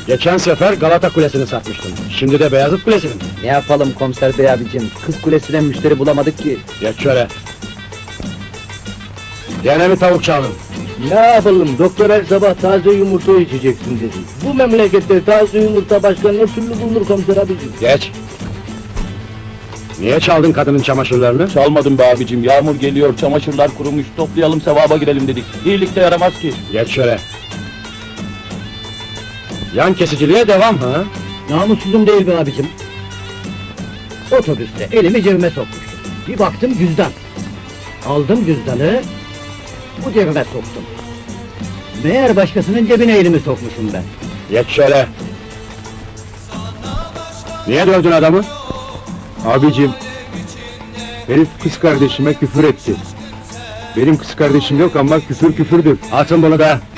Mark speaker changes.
Speaker 1: Geçen sefer Galata Kulesi'ni satmıştım. Şimdi de Beyazıt Kulesi'ni.
Speaker 2: Ne yapalım komiser bey abicim? Kız kulesine müşteri bulamadık ki.
Speaker 1: Geç şöyle. Gene mi tavuk çaldın?
Speaker 2: Ne yapalım? Doktor her sabah taze yumurta içeceksin dedi. Bu memlekette taze yumurta başka ne türlü bulunur komiser abicim?
Speaker 1: Geç. Niye çaldın kadının çamaşırlarını?
Speaker 3: Çalmadım be abicim, yağmur geliyor, çamaşırlar kurumuş, toplayalım sevaba girelim dedik. İyilik de yaramaz ki.
Speaker 1: Geç şöyle. Yan kesiciliğe devam ha?
Speaker 2: Namussuzum değil be abicim. Otobüste elimi cebime sokmuştum. Bir baktım cüzdan. Aldım cüzdanı, bu cebime soktum. Meğer başkasının cebine elimi sokmuşum ben.
Speaker 1: Geç şöyle. Niye dövdün adamı?
Speaker 4: Abicim, herif kız kardeşime küfür etti. Benim kız kardeşim yok ama küfür küfürdür.
Speaker 1: Atın bunu da.